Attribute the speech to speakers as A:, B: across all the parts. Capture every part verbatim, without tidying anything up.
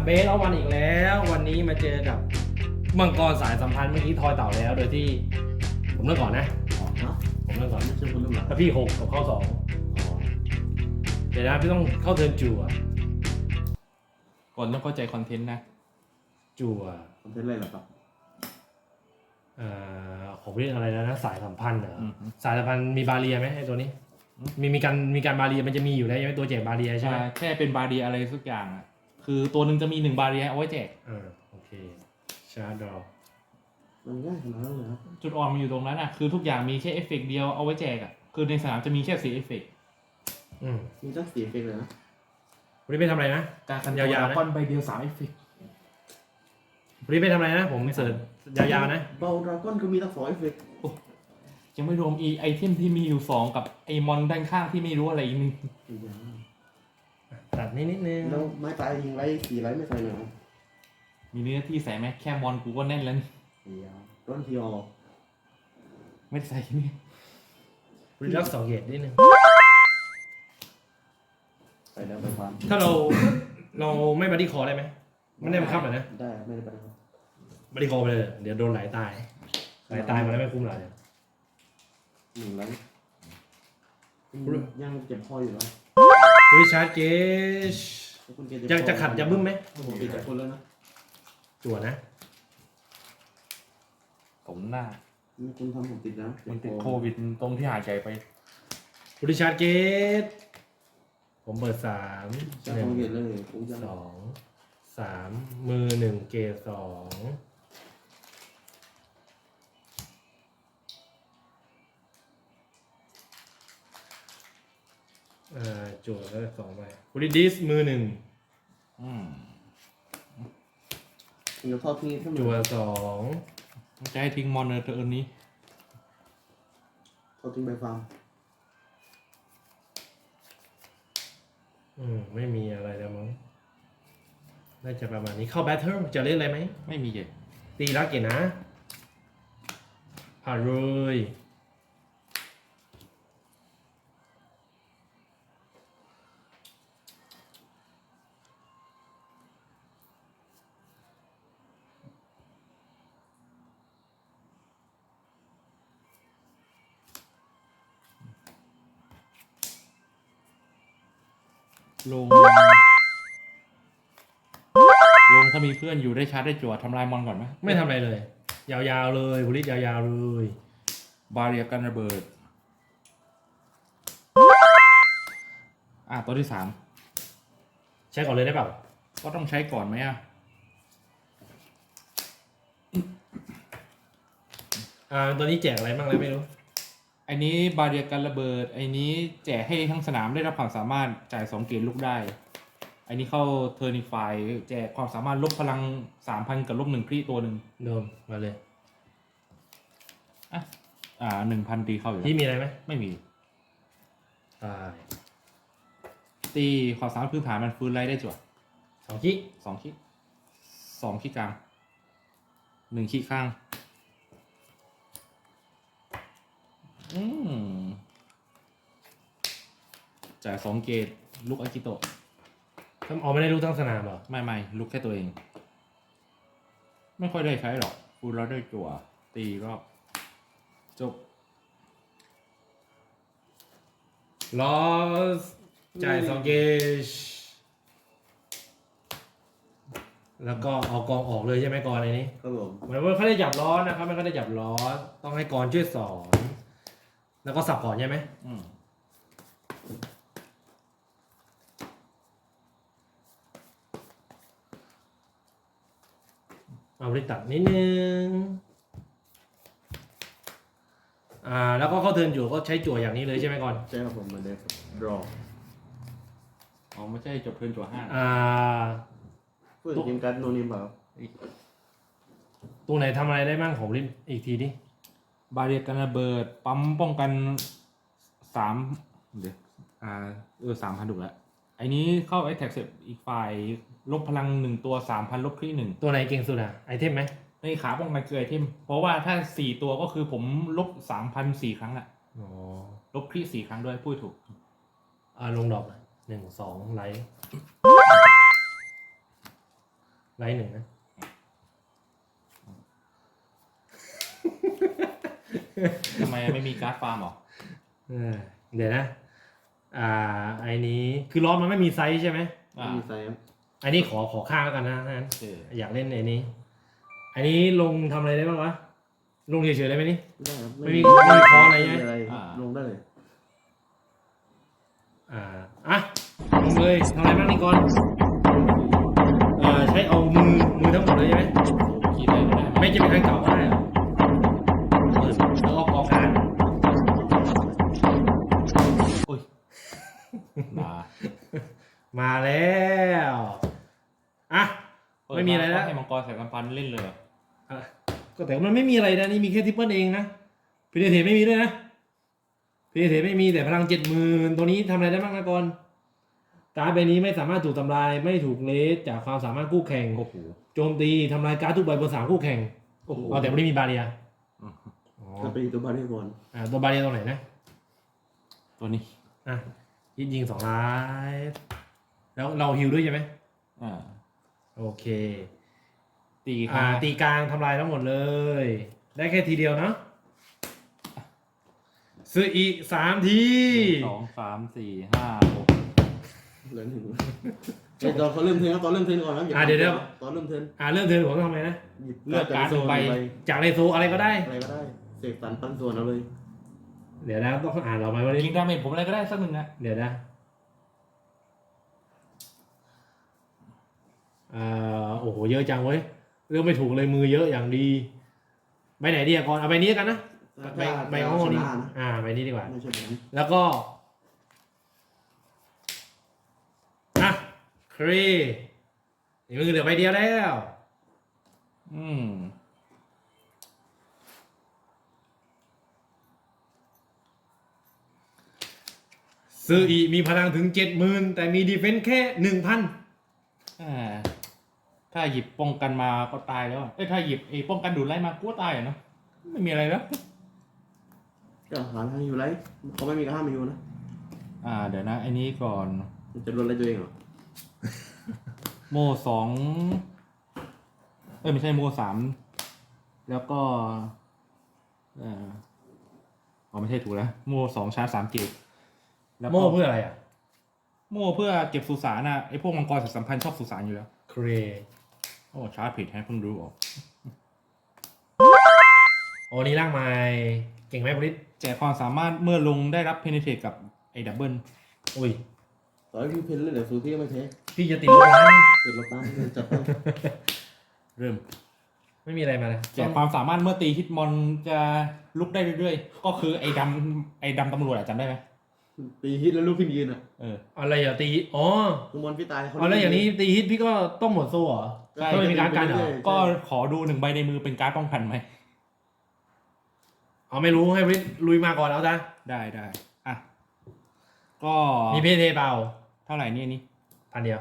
A: เบสเอาวันอีกแล้ววันนี้มาเจอกับมังกรสายสัมพันธ์เมื่อกี้ทอยเต่าแล้วโดยที่ผมเริ่มก่อนนะ
B: อ๋อฮะ
A: ผมเริ่มก่อน
B: ไม่ใช่คนรุ่นหลัง
A: ถ้าพี่หกกับเข้าสอง
B: อ๋อ
A: เดี๋ยวนะพี่ต้องเข้าเทิร์นจั่ว
C: ก่อนต้องเข้าใจคอนเทนต์นะ
A: จั่ว
B: คอนเทนต์อะไรเหรอครับ
A: เอ่อผมเรียกอะไรแล้วนะสายสัมพันธ์เหรอ
C: อืม
A: สายสัมพันธ์มีบาเรียไหมไอ้ตัวนี้ มีมีการมีการบาเรียมันจะมีอยู่แล้วใช่ไหมตัวแจกบาเรียใช่ไหม
C: อ่าแค่เป็นบาเรียอะไรสักอย่างอ่ะคือตัวหนึ่งจะมีหนึ่งบาเรียเอาไว้แจก
A: อ่าโอเคชาร์ดดอ
B: มันง่ายขนาดนั้นเลยครับ
C: จุดอ่อนมันอยู่ตรงนั้นอ่ะคือทุกอย่างมีแค่เอฟเฟกต์เดียวเอาไว้แจกอ่ะคือในสนามจะมีแค่สี่เอฟเฟกต์
A: อืม
B: มีตั้งสี่เอฟเฟกต์เลยนะ
A: วันนี้ไปทำอะไรนะ
C: การกัน
A: ยาวๆนะ
C: ก้อนใบเดียวสามเอฟเฟกต์
A: วันนี้ไปทำอะไรนะผมเสิร์ชยาวๆนะ
B: เบาดราก้อนก็มีตั้งสองเอฟเฟกต์
C: ยังไม่รวมอีไอเทมที่มีอยู่สองกับไอมอนด้านข้างที่ไม่รู้อะไรอีกนึง
B: อีกอย่าง
A: ตัดนิดนิดนึง
B: แล้วไม้ตายยิงไรสี่ไรไม่ใส่หนา
C: มีเนื้อที่ใส่ไหมแค่มอนกูก็แน่นแล้วนี่
B: เดียวร้อนทีออ
C: ไม่ได้ใส่นี่
A: รีลักสองเกตนิดนึง
B: ใส่แล้วไปฟัน
A: ถ้าเราเราไม่บัดดี้คอได้ไหมไม่ได้บังคับเหรอนะ
B: ได้ไม่ได้ไปครับ
A: บัดดี้คอไปเลยเดี๋ยวโดนไหลตายไหลตายมาแล้วไม่คุ้มหรอก
B: หนึ่งไรยังเจ็บคออยู่เหรอ
A: ริชาร์ดเกช
B: คุณเกศ
A: จะจะขัดจะบึ้มไหม
B: ผมปิดจากคนแล้วนะ
A: จั่วนะ
C: ผมหน้า
B: นี่คุณทำผมติดนะ
C: มันติดโควิดตรงที่หายใจไป
A: ริชาร์ดเกชผมเปิดสาม
B: จะ
A: หนึ่
B: ค
A: ง
B: งเกศเลยผมจะ
A: สองสามมือหนึ่งเกตสองอ่าจั่วแล้วสองใบริดิสมือหนึ่ง
C: อืม
B: เดี๋ยวทอดทิ้งขึ้น
A: จั่ว
B: มา
A: สอง
C: จะให้ทิ้งมอนเนอร์เทอร์นี้
B: ทอดทิ้งไปฟาร์ม
A: อืมไม่มีอะไรแล้วมั้งน่าจะประมาณนี้เข้าแบทเทิลจะเล่นอะไรไหม
C: ไม่มีเจ็ด
A: ตีรักเกตนะผ่านเลย
C: ลงลงถ้ามีเพื่อนอยู่ได้ชาร์จได้จั่วทำลายมอนก่อนไหม
A: ไม่ทำอะไรเลย ยาวๆเลยบุริษยาวๆเลย
C: บาเรียกันระเบิด อ่ะตัวที่สาม
A: ใช้ก่อนเลยได้เปล่า
C: ก็ต้องใช้ก่อนไหมอ่ะ
A: อ่าตัวนี้แจกอะไรบ้างแล้วไม่รู้
C: ไอ้นี้บาเรียกันระเบิด ไอ้นี้แจกให้ทั้งสนามได้รับความสามารถจ่ายสองเกตลูกได้ ไอ้นี้เข้าเทอร์นิฟายแจกความสามารถลบพลังสามพันกับลบหนึ่งครีตัวหนึ่ง
A: โดมมาเลย
C: อ่ะ อ่าหนึ่งพันตีเข้าอยู่แล้ว
A: พี่มีอะไรไหม
C: ไม่มี
A: ตาย
C: ตีความสามารถพื้นฐานมันฟื้นไล่ได้จั่ว
A: สองคิ
C: สองคิสองคิกลางหนึ่งคิข้าง อืมจ่ายสองเกตลูกอากิโตะ
A: ทำออกไม่ได้รู้ทั้งสนามเหรอ
C: ไม่ไม่ลูกแค่ตัวเอง ไม่ค่อยได้ใช้หรอกฟูลแล้วได้จั่วตีรอบ จบ
A: ลอสจ่ายสองเกจแล้วก็เอากองออกเลยใช่ไหมกรในนี้
B: ครับผม
A: เหมือนว่าเขาได้จับล้อนะครับไม่เขาได้จับล้อต้องให้กรช่วยสอนแล้วก็สับก่อนใช่ไหม
C: อืม
A: เอาไปตัดนิดนึงอ่าแล้วก็เข้าเทิร์นจั่วก็ใช้จั่วอย่างนี้เลยใช่ไหมก่อน
B: ใช่ครับผมเหมือนเดิมรอ
C: อ๋อไม่ใช่จบเทิร์นจั่วห้า
A: อ่า
B: เพื่อนทีมการโนนิมแบบ
A: ตรงไหนทำอะไรได้บ้างของริมอีกทีดิ
C: บาเรียกันระเบิด ปั๊มป้องกันสามเดี๋ยวอ่าเออสามพันถูกแล้วไอ้นี้เข้าไอ้แท็กเสร็จอีกฝ่ายลบพลังหนึ่งตัวสามพันลบครีหนึ่ง
A: ตัวไหนเก่งสุดอะไอเทมไหม
C: ในขาป้องกันคือไอเทม เพราะว่าถ้าสี่ตัวก็คือผมลบสามพันสี่ครั้งอะ
A: อ๋อ
C: ลบครีสี่ครั้งด้วยพูดถูก
A: อ่าลงดอกหนึ่งสองไลท์ไลท์หนึ่งนะ
C: ทำไมไม่มีการ์ดฟาร์มหรอ
A: เออเดี๋ยวนะ อ่าไอ้นี้คือล้อมันไม่มีไซส์ใช่ไหม
C: อ่า
B: มีไซส์ครับ
A: อันนี้ขอขอข้างแล้วกันนะนั้น
C: เออ
A: อยากเล่นไอ้นี้ อันนี้ลงทำอะไรได้บ้างวะ ลงเฉยๆได้ไหมนี่
B: ไม่ได้ครับ
A: ไม่มีไม่มีคออะไรใช่ไหม
B: ม่มีลงได้เลย
A: อ่า อ่ะ ลงเลยทำอะไรบ้างนี่ก่อนเอ่อใช้เอามือมือทั้งหมดเลยใช่ไหม
C: คิดได้ไหม
A: ไม่จะเป็นทางเก่าก็ได้เหรอเปิดแล้วก็กองการ
C: อุ้ยมา
A: มาแล้วอ่ะไม่มีอะไรแล้ว
C: ให้มังกรใส่กำปั้นเล่นเลยเหรอ
A: อ่ะก็แต่มันไม่มีอะไรนะนี่มีแค่ทิปเปิลเองนะพีเดเทไม่มีด้วยนะพีเดเทไม่มีแต่พลังเจ็ดหมื่นตัวนี้ทำอะไรได้บ้างนะก่อนการ์ดใบนี้ไม่สามารถถูกทำลายไม่ถูกเลสจากความสามารถคู่แข่ง
C: โอ้โห
A: โจมตีทำลายการ์ดทุกใบบนสามคู่แข่ง
C: โอ้โห
A: เอาแต่ไม่ได้มีบาเรีย
C: อืม
A: อ๋อ
B: จะไปตัวบาร์เรบอล
A: อ่าตัวบาเรียตรงไหนนะ
C: ตัวนี้
A: อ่ะยิงยิงสองล้าน แล้วเราฮิวด้วยใช่ไหม
C: อ่า
A: โอเค
C: ตี
A: อ่า
C: ค่ะ
A: ตีกลางทำลายทั้งหมดเลย ได้แค่ทีเดียวเนาะซื้ออีกสามที
C: สองสามสี่ห้าหก
B: เหลือหนึ่งเอ้ยตอนเขาเริ่มเทิร์นครับตอนเริ่มเทิร์นก่อนครับ
A: อ่ะเดี๋ยวเดี๋ยว
B: ตอนเริ่มเทิร์น
A: อ่าเริ่มเทิร์นผมต้องทำไงนะ
B: หยิบเลือกจากโซนไป
A: จากในโซอะไรก็ได้
B: อะไรก็ได้เสกสรรปันส่วนเอาเลย
A: เดี๋ยวนะต้องอ่านเราไหมวันนี้
C: ยิงดาเมจผมอะไรก็ได้สักหนึ่งนะ
A: เดี๋ยวนะอ่าโอ้โหเยอะจังเว้ยเลือกไม่ถูกเลยมือเยอะอย่างดีใบไหนดีอะก่อนเอาใบนี้กันนะใบใบของโง่นี่
B: ชะนะ
A: อ่าใบนี้ดีกว่า
B: ไม่ใช่แบบนี้
A: แล้วก็อ่ะครีนี่มือเหลือใบเดียวแล้ว
C: อืม
A: ซื้ออีมีพลังถึงเจ็ดหมื่นแต่มีดีเฟนส์แค่หนึ่งพัน
C: อ่าถ้าหยิบป้องกันมาก็ตายแล้วอะเอ้ยถ้าหยิบไอ้ป้องกันดูดไล่มากูก็ตายอะเนาะไม่มีอะไรแล้ว
B: ก็หาทางอยู่ไรเขาไม่มีกระห้ามอยู่นะ
C: อ่า เดี๋ยวนะไอ้นี้ก่อน
B: มันจะลดอะไรตัวเองเหรอ
C: โมสองเอ้ยไม่ใช่โมสามแล้วก็เอ่ออ๋อไม่ใช่ถูกแล้วโมสองชาร์จสามเกตแล้วก็
A: โม่เพื่ออะไรอ่ะ
C: โมเพื่อเก็บสุสานนะไอพวกมังกรสัมพันธ์ชอบสุสานอยู่แล้ว
A: ครี
C: โอ้ชาร์จผิดให้เพิ่งรู้ออก
A: โอ้นี่ร่างใหม่เก่งไหมพลิต
C: แจกความสามารถเมื่อลงได้รับเพนเทตกับไอ้ดับเบิล
A: อุ้ย
B: ต่อให้พี่เพนเล่นเดี๋ยวซูพี่ก็ไม่เทค
A: พี่จะติดลบล้าน
B: เกิดเราตามเดินจับไป
C: เริ่ม
A: ไม่มีอะไรมาเลย
C: แจกความสามารถเมื่อตีฮิตมอนจะลุกได้เรื่อยๆ ก็คือไอ้ดำไอ้ดำตำรวจอะจำได้ไหม
B: ตีฮิตแล้วลูกพี่ยืนอ่ะ
C: เออ
A: อะไรอย่าตีอ๋อ
B: คือมอนพี่ตายเขา
A: อ๋อแล้วอย่างนี้ตีฮิตพี่ก็ต้องหมดโซ่เหรอ
C: ใช่
A: ก็ไม่มีการกันเหรอ
C: ก็ขอดูหนึ่งใบในมือเป็นการ์ดป้องกันไหม
A: เอาไม่รู้ให้พลิตลุยมาก่อนเอาจ้ะ
C: ได้ได้อ่ะ ก็
A: มีเพเทเปล่า
C: เท่าไหร่เนี่ยนี่
A: พันเดียว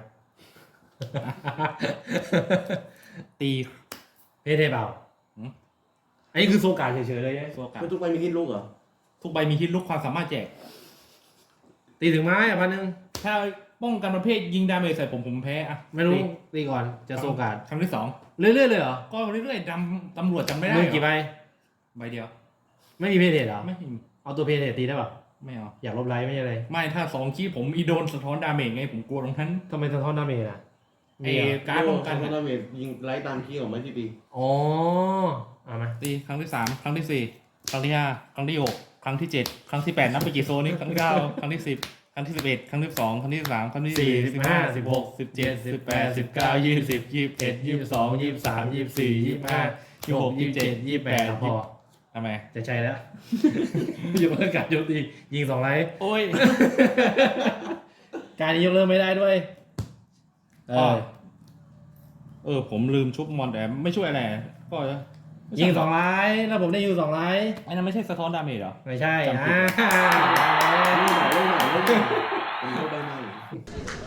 C: ตี
A: เพเทเปล่า
C: หืม
A: อันนี้คือโซกาเฉยๆเลยใช่ไหม
C: โซกา
B: คือทุกใบมีฮิตลูกเหรอ
C: ทุกใบมีฮิตลุกความสามารถแจก
A: ตีถึงไม้อ่ะพันหนึ่ง
C: ถ้าป้องกันประเภทยิงดาเมจใส่ผมผมแพ้อะ
A: ไม่รู้
C: ตี
A: ตีก่อนจะโซกา
C: ครั้งที่สอง
A: เรื่อยๆเลยเหรอ
C: ก็เรื่อยๆดำตำรวจจำไม่ได้
A: มือ
C: เหรอ
A: กี่ใบ
C: ใบเดียว
A: ไม่มีเพเทเหรอ
C: ไม่มี
A: เอาตัวเพเทตีได้ป่ะ
C: ไม่เอา
A: อยากลบไลท์ไม่ใช่อะไร
C: ไม่ถ้าสองคีผมอีโดนสะท้อนดาเมจไงผมกลัวตรงนั้น
A: ทำไมสะท้อนดาเมจอ่ะ
C: ไอ้การ์ดป้องกัน
B: เขา
C: อะ
B: ดาเมจยิงไล่ตามคีย์ของไม้ที่ตี
A: อ๋อเอามา
C: ตีครั้งที่สามครั้งที่สี่ครั้งที่ห้าครั้งที่หกครั้งที่เจ็ดครั้งที่แปดนับไปกี่โซนนี่ครั้งที่เก้าครั้งที่สิบครั้งที่สิบเอ็ดครั้งที่สองครั้งที่สิบสามครั้งที่
A: สี่
C: สี่
A: สิบห้าสิบหก
C: สิ
A: สิ
C: บบ เจ็
A: เจ็
C: ด
A: ด
C: สิ
A: สิ
C: บบ แป
A: แป
C: ด
A: ด
C: สิ
A: สิ
C: บบ เก้า
A: เก้า
C: ยี่
A: ยี่
C: สิ
A: สิ
C: บบ ยี่สิบเอ็ดยี่สิบสองยี่สิบสามยี่สิบสี่ยี่สิบห้ายี่สิบหกยี่สิบเจ็ดยี่สิบแปดพอทำไม
A: จะใช่แล้ว ยกเลิกการโจมตียิงสองไลท์
C: โอ้ย
A: การนี้ยกเลิกไม่ได้ด้วยเอ
C: อ๋อ
A: อ
C: เออผมลืมชุบมอนแต่ไม่ช่วยอะไรก็
A: ยิงสองไลท์แล้วผมได้ยิงสองไลท์
C: ไอ้นั่นไม่ใช่สะท้อนดาเมจเหรอ
A: ไม่ใช่
C: จำผิด
A: อ่า
B: เล่นใหม่เล่นใหม่เล่นใหม่เป็นเข้าใบใหม่